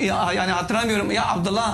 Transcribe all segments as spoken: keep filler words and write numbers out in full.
ya, yani hatırlamıyorum ya Abdullah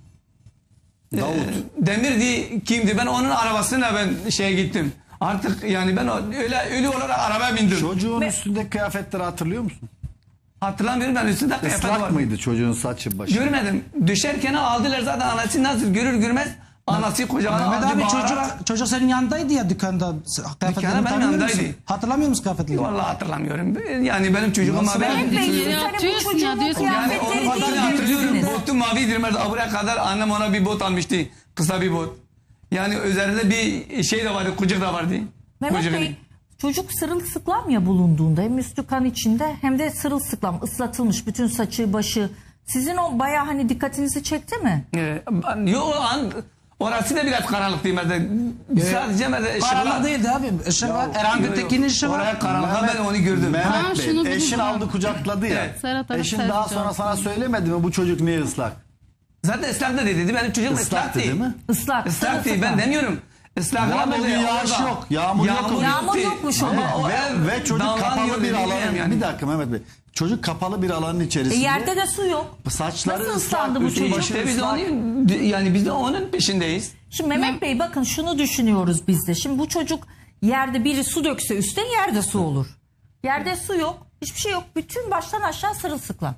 Davut. e, Demirdi kimdi? Ben onun arabasına ben şeye gittim. Artık yani ben o- öyle ölü olarak arabaya bindim. Çocuğun Ve- üstündeki kıyafetleri hatırlıyor musun? Hatırlamıyorum ben üstünde kıyafet Islak var. mıydı çocuğun saçı başı? Görmedim. Düşerken aldılar zaten anası nasıl görür görmez anası kucağına Mehmet aldı. abi bağırarak- çocuk, çocuk senin yanındaydı ya dükkanda. Kıyafetlerini benim tanıyor musun? yanındaydı. Hatırlamıyor musun kıyafetlerini? Vallahi hatırlamıyorum. Yani benim çocuğum Nasıl ama ben... Mehmet Bey, siz Ya, hani bu diyorsun ya, çocuğun diyorsun. Yani kıyafetleri onu değil kadar hatırlıyorum. giydiniz. Botu mavidir. Mesela buraya kadar annem ona bir bot almıştı. Kısa bir bot. Yani üzerinde bir şey de vardı. Kucuk da vardı. Mehmet Kucuk. Bey, çocuk sırılsıklam ya bulunduğunda hem üstü kan içinde hem de sırılsıklam ıslatılmış bütün saçı başı. Sizin o bayağı hani dikkatinizi çekti mi? Ee, ben- Yo o an orası da biraz karanlık değil. Mesela sadece mesela Karanlık ışıklar. değildi abi. Işık var. Erhan Yo, yo. Gültekin'in işi var. Oraya karanlıkta ben onu gördüm. Mehmet Ha, şunu Bey, buldum eşin ben. aldı kucakladı ya. Evet. Serhat Arap Eşin Serhat daha sonra Serhat. sana söylemedi mi bu çocuk niye ıslak? Zaten ıslak da dedi. Benim çocuğum ıslak Islaktı değil. değil mi? Islak. Islak değil. Ben sırılsıklam. demiyorum. Islak Ya ama bugün böyle yağış orada- yok, yağmur yok. Yağmur değil. yokmuş Ama ama. o Ve, ev ve çocuk dalgalanıyor kapalı bir dedi, alanın, yani. bir dakika Mehmet Bey. Çocuk kapalı bir alanın E içerisinde. yerde de su yok. Saçları Nasıl ıslak, ıslandı bu üstü çocuk? başı İşte biz de ıslak. onun, yani biz de onun peşindeyiz. Şimdi Mehmet Bey bakın şunu düşünüyoruz biz de. Şimdi bu çocuk yerde biri su dökse üstte yerde su olur. Yerde su yok. Hiçbir şey yok. Bütün baştan aşağı sırılsıklam.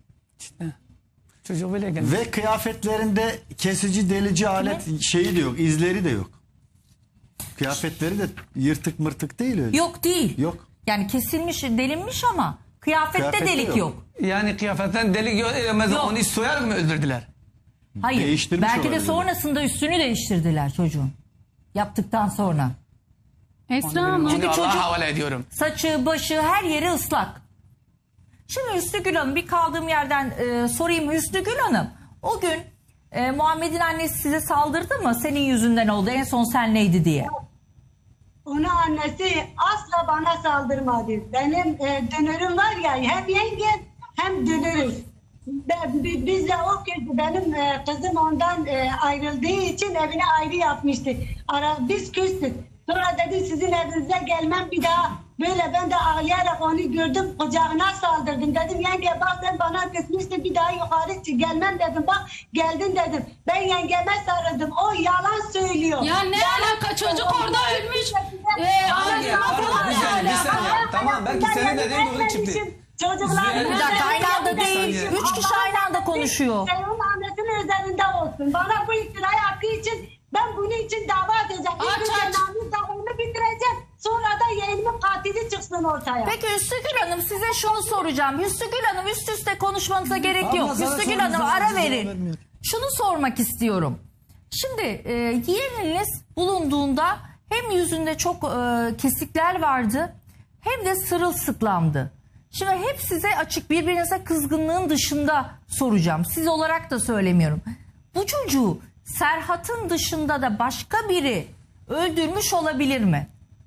Çocuk böyle geldi. Ve kıyafetlerinde kesici delici alet şeyi de yok, izleri de yok. Kıyafetleri de yırtık mırtık değil öyle. Yok değil. Yok. Yani kesilmiş, delinmiş ama kıyafette, Kıyafette delik yok. yok. Yani kıyafetten delik yok. E, mesela Yok. onu soyarak mı öldürdüler? Hayır. Değiştirmiş Belki de olabilir. sonrasında üstünü değiştirdiler çocuğun. Yaptıktan sonra. Esra Hanım. Çünkü Allah'a çocuk- havale ediyorum. Saçı, başı, her yeri ıslak. Şimdi Hüsnü Gül Hanım, bir kaldığım yerden e, sorayım Hüsnü Gül Hanım. O gün e, Muhammed'in annesi size saldırdı mı? Senin yüzünden oldu. En son sen neydi diye. Ona annesi asla bana saldırmadı. Benim e, dönürüm var ya, hem yenge hem dönürüz. Ben- bi- Biz de o gün benim e, kızım ondan e, ayrıldığı için evine ayrı yapmıştı. Ara, biz küstük. Sonra dedi sizin evinize gelmem bir daha. Böyle ben de ağlayarak onu gördüm, kucağına saldırdım. Dedim yenge bak sen bana küsmüştün, bir daha yukarı çık gelmem dedim. Bak geldin dedim. Ben yengeme sarıldım. O yalan söylüyor. Ya ne alaka, çocuk orada ölmüş. Ee, Hayır, anasına pardon, falan bir ne saniye, bir alaka? saniye. Tamam, belki senin dediğin doğru çıktı. Çocuklar Bir dakika aynı anda değil. Üç kişi aynı anda konuşuyor. Senin annesinin üzerinde olsun. Bana bu iftirayı hakkı için ben bunun için dava edeceğim. Aç, İlk önce aç. namus davamı bitireceğim. Sonra da yeğenimin katili çıksın ortaya. Peki Hüsnü Gül Hanım size şunu soracağım. Hüsnü Gül Hanım üst üste konuşmanıza gerek Abla, yok. sana Hüsnü Gül sorduğum Hanım zaman ara cevap verin. vermiyor. Şunu sormak istiyorum. Şimdi e, yeğeniniz bulunduğunda hem yüzünde çok e, kesikler vardı hem de sırılsıklamdı. Şimdi hep size açık, birbirinize kızgınlığın dışında soracağım. Siz olarak da söylemiyorum. Bu çocuğu Serhat'ın dışında da başka biri öldürmüş olabilir mi?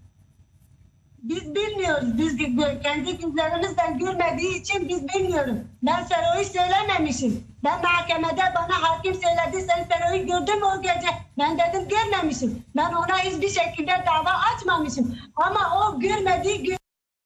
Biz bilmiyoruz. Biz de- kendi gözlerimizden görmediği için biz bilmiyoruz. Ben Sero'yu söylememişim. Ben mahkemede bana hakim söyledi. Sen Sero'yu gördün mü o gece? Ben dedim görmemişim. Ben ona hiçbir şekilde dava açmamışım. Ama o görmediği gün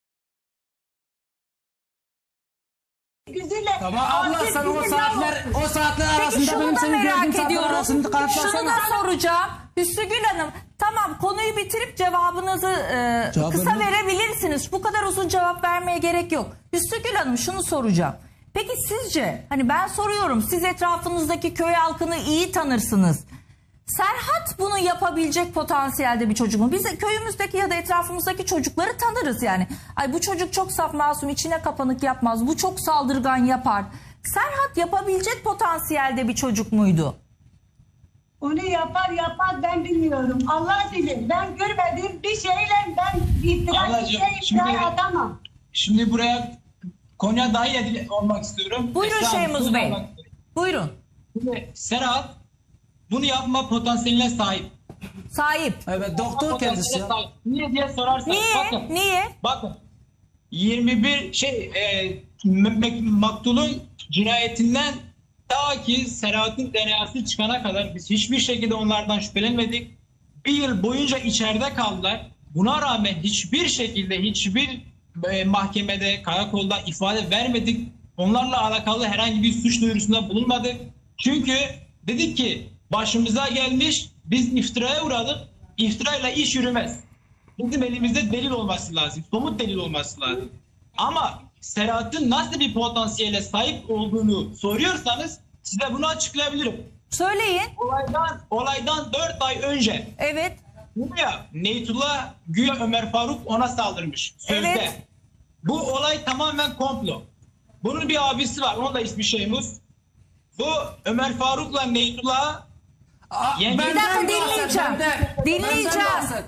güzüyle... Tamam abla Artık sen o bizim saatler o saatler Peki arasında şunu benim da seni gördüğüm merak saatler ediyorum. arasında Şunu kanıtlasana. da soracağım. Hüsnü Gül Hanım tamam konuyu bitirip cevabınızı e, Cevap kısa verme. verebilirsiniz. Bu kadar uzun cevap vermeye gerek yok. Hüsnü Gül Hanım şunu soracağım. Peki sizce hani ben soruyorum siz etrafınızdaki köy halkını iyi tanırsınız. Serhat bunu yapabilecek potansiyelde bir çocuk mu? Biz köyümüzdeki ya da etrafımızdaki çocukları tanırız yani. Ay bu çocuk çok saf masum içine kapanık yapmaz. Bu çok saldırgan yapar. Serhat yapabilecek potansiyelde bir çocuk muydu? Onu yapar yapar ben bilmiyorum. Allah bilir. Ben görmediğim bir şeyle ben iftira, Ablacığım, bir şey iftira şimdi- atamam. Şimdi buraya konuya dahil edil- olmak istiyorum. Buyurun Esra Hanım, Şeymuz şunu Bey. sormak istiyorum. Buyurun. Şimdi Serhat bunu yapma potansiyeline sahip. Sahip. Evet doktor kendisi ya. Sahip. Niye diye sorarsanız Niye? bakın. Niye? Bakın. yirmi bir şey e, m- m- maktulun cinayetinden ta ki Serhat'ın D N A'sı çıkana kadar biz hiçbir şekilde onlardan şüphelenmedik. Bir yıl boyunca içeride kaldılar. Buna rağmen hiçbir şekilde hiçbir e, mahkemede, karakolda ifade vermedik. onlarla alakalı herhangi bir suç duyurusunda bulunmadık. Çünkü dedik ki başımıza gelmiş, biz iftiraya uğradık. İftirayla iş yürümez. Bizim elimizde delil olması lazım. Somut delil olması lazım. Ama Serhat'ın nasıl bir potansiyele sahip olduğunu soruyorsanız size bunu açıklayabilirim. Söyleyin. Olaydan, olaydan dört ay önce Evet. ya Neytullah güya Ömer Faruk ona saldırmış sözde. Evet. Bu olay tamamen komplo. Bunun bir abisi var. Onun da ismi Şeymus. Bu Ömer Faruk'la Neytullah Yenge- Bir dakika dinleyeceğim. Benden Dinleyeceğiz. bahset.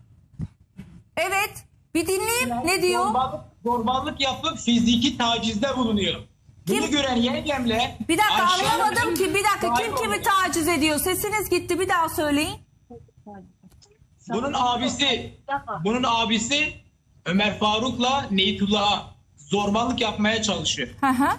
Evet. Bir dinleyeyim. Ne diyor? zorbalık, zorbalık yapıp fiziki tacizde bulunuyor. Bunu Kim? gören yengemle Bir dakika aşağı- anlamadım ki. Bir dakika kim Sahip kimi oluyor. taciz ediyor? Sesiniz gitti. Bir daha söyleyin. Bunun abisi bunun abisi Ömer Faruk'la Neytullah'a zorbalık yapmaya çalışıyor. Hı hı.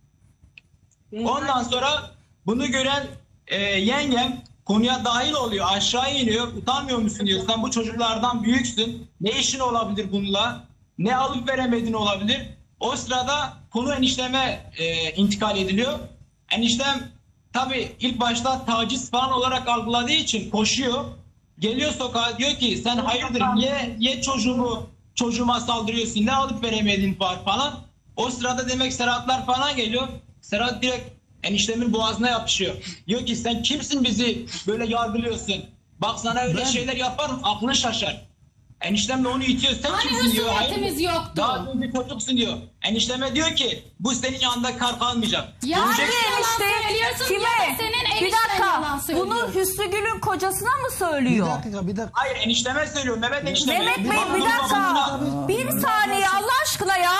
Ondan sonra bunu gören e, yengem konuya dahil oluyor. Aşağı iniyor. Utanmıyor musun diyor. Sen bu çocuklardan büyüksün. Ne işin olabilir bununla? Ne alıp veremedin olabilir? O sırada konu enişteme e, intikal ediliyor. Eniştem tabii ilk başta taciz falan olarak algıladığı için koşuyor. Geliyor sokağa diyor ki sen hayırdır niye, niye çocuğumu çocuğuma saldırıyorsun? Ne alıp veremedin var falan. O sırada demek Serhatlar falan geliyor. Serhat direkt eniştemin boğazına yapışıyor. Diyor ki sen kimsin bizi böyle yargılıyorsun? Bak sana öyle şeyler yaparım aklın şaşar. Eniştem de onu itiyor. Sen Hani kimsin diyor. husumetimiz Hayır, yoktu. daha dün bir çocuksun diyor. Enişteme diyor ki bu senin yanında kar kalmayacak. Ya Görecek- Hangi yalan söylüyorsun Kime? ya da senin Bir enişten yalan dakika. söylüyor. Bunu Hüsnü Gül'ün kocasına mı Bir söylüyor? dakika bir dakika. Hayır enişteme söylüyor. Mehmet enişteme. Mehmet Bey Bak, bir bunun dakika. babasına- Bir saniye Allah aşkına ya.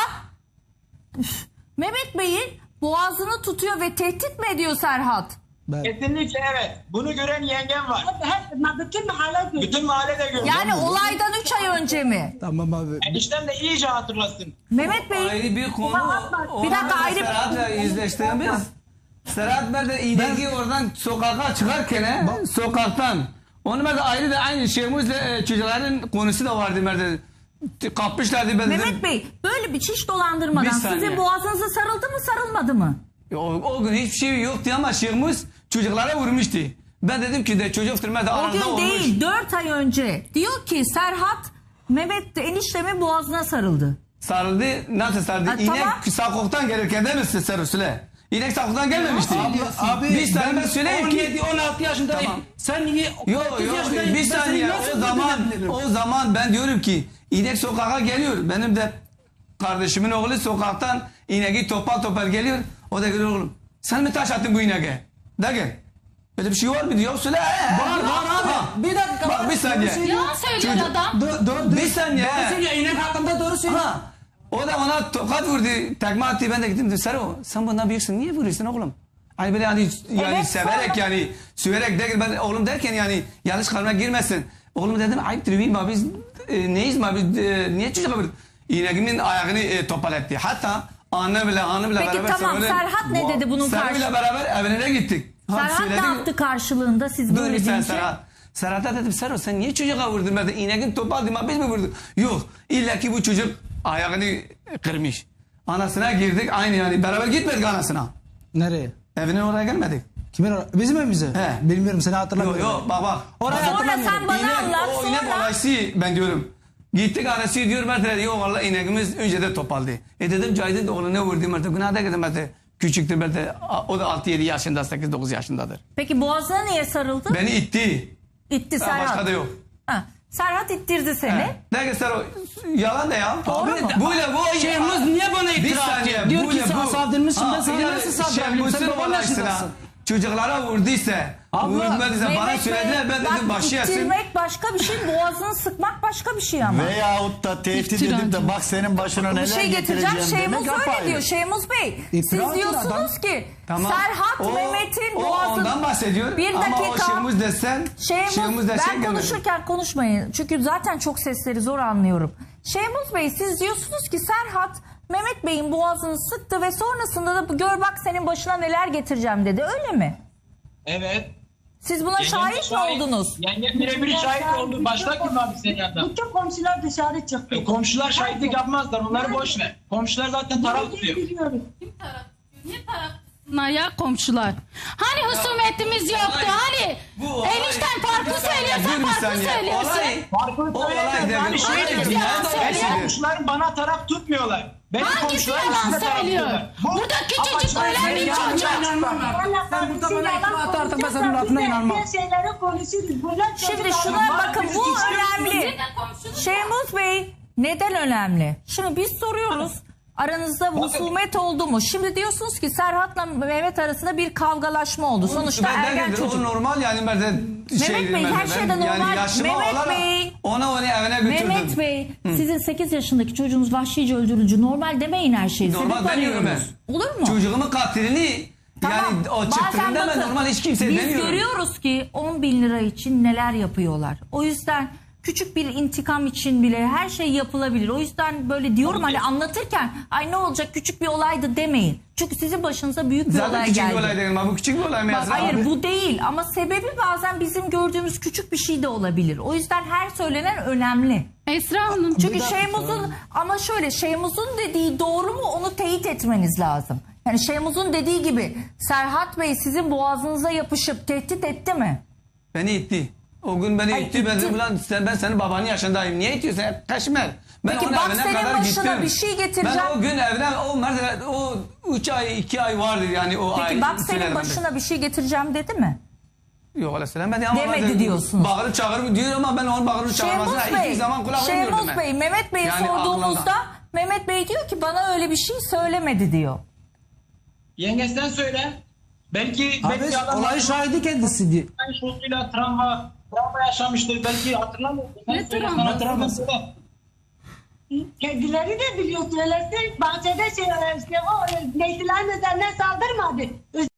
Üf. Mehmet Bey'in boğazını tutuyor ve tehdit mi ediyor Serhat? Ben, Kesinlikle evet. Bunu gören yengem var. Hep, hep, bütün mahalle görüyor. Bütün mahalle de görüyor. Yani olaydan üç ay önce mi? tamam abi. Eniştem de iyice hatırlasın. Mehmet Bey Ayrı bir konu. Bir dakika, ayrı- Serhat'la yüzleştiğimiz. Serhat ben de iğneki oradan sokağa çıkarken he, sokaktan. Onu ben de ayrı da aynı Şemuz'la e, çocukların konusu da vardı. Ben de kapmışlardı. Ben de Mehmet Bey böyle bir çiş dolandırmadan Bir saniye. sizin boğazınıza sarıldı mı sarılmadı mı? O, o gün hiçbir şey yoktu ama Şemuz çocuklara vurmuştu. Ben dedim ki de çocuktur ben de O aranızda gün olmuş. değil dört ay önce. Diyor ki Serhat Mehmet de eniştemin boğazına sarıldı. Sarıldı. Nasıl sarıldı? Ha, İnek tamam. sakoktan gelirken değil mi size Serusule? İnek sakoktan gelmemişti. Abi bir saniye ben söyleyeyim on ki. yedi on altı yaşındayım. Tamam. Sen niye Yok otuz yok yaşındayım. bir Ben seni saniye nasıl o zaman öldürebilirim? o zaman ben diyorum ki inek sokağa geliyor. Benim de kardeşimin oğlu sokaktan ineği topal topal geliyor. O da geliyor oğlum. Sen mi taş attın bu ineğe? De gel. Öyle bir şey var mı diyor. Söyle. Var var abi. Bir dakika. Bak, bir saniye. Yalan söylüyor Çocuk- adam. Dur dur. Bir saniye. Doğru söylüyor. İnek hakkında doğru söylüyor. Ha. O da ona tokat vurdu. Tekme attı. Ben de gittim. Dedim, Sero sen bundan büyüksün. Niye vuruyorsun oğlum? Hani böyle yani, yani Evet, severek sonra- yani süverek derken ben oğlum derken yani yanlış kalmaya girmesin. Oğlum dedim ayıptır değil mi abi? Biz e, neyiz mi abi? E, niye çocuğa bir ineğimin ayağını e, topal etti. Hatta anne bile anne bile Peki beraber. tamam, Sero'nun- Serhat ne dedi bunun Sero karşı- ile beraber evine gittik. Ha, Serhat ne söyledim. yaptı karşılığında siz Dur böyle bir sen deyince? Serhat. Serhat'a dedim Serhat sen niye çocuğa vurdun? Ben de ineğin topal dedim biz mi vurduk? Yok illa ki bu çocuk ayağını kırmış. Anasına girdik aynı yani beraber gitmedik anasına. Nereye? Evine oraya gelmedik. Kimin or- Bizim evimize? He. Bilmiyorum seni Yok hatırlamıyorum. yok bak bak. Oraya Sonra hatırlamıyorum. sen bana İnek, anlat o inek sonra. olaysı ben diyorum. Gittik anası diyor ben de yok valla ineğimiz önce de topaldı. E dedim Cahit'in de oğluna vurdum artık günah da dedim ben de küçüktür ben de o da altı yedi yaşında sekiz dokuz yaşındadır. Peki boğazına niye sarıldı? Beni itti. İtti Ha, Serhat. başka da yok. Ha, Serhat ittirdi seni. Ne göster o yalan da ya. Doğru mu? Böyle bu Şehmuz niye bana Bir iftira saniye, atıyor? Diyor ki böyle sen bu. saldırmışsın, ben sana yani nasıl saldırabilirim? Sen Şehmuz'un babam olayısına yaşındasın. çocuklara vurduysa, Abla, vurmadıysa bana Mehmet Bey, söylediler ben bak, dedim başı yesin. ittirmek başka bir şey, boğazını sıkmak başka bir şey ama. Veyahut da tehdit İftira edip de atıyor. bak senin başına Bir neler şey getireceğim. getireceğim Şeymuz demek öyle apayrı. diyor. Şeymuz Bey. İftira Siz atıyor diyorsunuz adam. ki Tamam. Serhat O- Mehmet'in o boğazını... ondan bahsediyor. Bir Ama o dakika. Şehmuz desen, Şeymuz, Şehmuz desen ben gelmedi. konuşurken konuşmayın. Çünkü zaten çok sesleri zor anlıyorum. Şeymuz Bey siz diyorsunuz ki Serhat Mehmet Bey'in boğazını sıktı ve sonrasında da gör bak senin başına neler getireceğim dedi. Öyle mi? Evet. Siz buna şahit mi oldunuz? Yenge birebir şahit oldu. Başka kim abi senin yanında? Bütün komşular dışarı çıktı. E, Komşular şahitlik yapmazlar. Onları boş ver. Komşular zaten taraf Biz tutuyor. biliyoruz. Kim taraf tutuyor? Niye taraf tutsunlar ya komşular? Hani husumetimiz yoktu? Hani bu olay- enişten farklı Dur söylüyorsan bir farklı saniye. söylüyorsun. Olay, Farklı o olay söyleyemez. devlet. Yani şey Olay diyorum. dünya yalan savaşıdır. söylüyor. Komşularım bana taraf tutmuyorlar. Benim Hangisi komşularım yalan size taraf söylüyor? tutuyorlar. Bu Burada küçücük apaçık ölen bir yalan çocuk. Valla Sen burada kardeşim bana yalan iftira atarsan ben senin konuşuyorsa lafına biz de inanmam. diğer şeyleri konuşuruz. Bunlar Şimdi çocuk şuna alınmaz. bakın, biz bu istiyoruz. önemli. Neden komşunuz? Şeyhmuz Bey neden önemli? Şimdi biz soruyoruz. Aranızda husumet oldu mu? Şimdi diyorsunuz ki Serhat'la Mehmet arasında bir kavgalaşma oldu. Sonuçta Ben ergen de çocuk. O normal yani ben de şey Bey, dedim ben her de. şeyden Ben normal. Yani yaşıma Mehmet olarak Bey. ona onu evine götürdüm. Mehmet Bey, sizin sekiz yaşındaki çocuğunuz vahşice öldürücü. Normal demeyin her şeyi. Normal Sebep demiyorum ben. arıyoruz. Olur mu? Çocuğumun katilini yani o Bazen çıktığında ben bakın, normal hiç kimse biz demiyorum. görüyoruz ki on bin lira için neler yapıyorlar. O yüzden küçük bir intikam için bile her şey yapılabilir. O yüzden böyle diyorum hani anlatırken ay ne olacak küçük bir olaydı demeyin. Çünkü sizin başınıza büyük bir Zaten olay küçük geldi. bir olay değil ama bu küçük bir olay mı Bak, Yazın hayır abi? bu değil ama sebebi bazen bizim gördüğümüz küçük bir şey de olabilir. O yüzden her söylenen önemli. Esra Hanım. Çünkü Şeyhmuz'un ama şöyle Şeyhmuz'un dediği doğru mu onu teyit etmeniz lazım. Yani Şeyhmuz'un dediği gibi Serhat Bey sizin boğazınıza yapışıp tehdit etti mi? Beni itti. O gün beni Ay, itti. Ben itti. dedim ulan sen, ben senin babanın yaşındayım. Niye itiyorsun? Hep kaşmer. Ben Peki onun bak evine senin kadar başına gittim. bir şey getireceğim. Ben o gün evden o mesela o üç ay iki ay vardı yani o ay. Peki bak senin söyledim ben. başına bir şey getireceğim dedi mi? Yok öyle söylemedi ama Demedi bazen diyorsunuz. Bağırıp çağırıp diyor ama ben onun bağırıp çağırmasına Şeyhmuz hiçbir Bey, zaman kulak vermiyordum Şeyhmuz ben. Bey Mehmet Bey'e Yani sorduğumuzda aklımda. Mehmet Bey diyor ki bana öyle bir şey söylemedi diyor. Yenge sen söyle. Belki Abi belki adam olay şahidi kendisi diye. aynı şokuyla travma, travma yaşamıştır. Belki hatırlamıyor. Sen Ne söyle, travması? sana travma söyle. Kendileri de biliyor söylesin. Bahçede şey, işte, o neydilerin üzerine saldırmadı.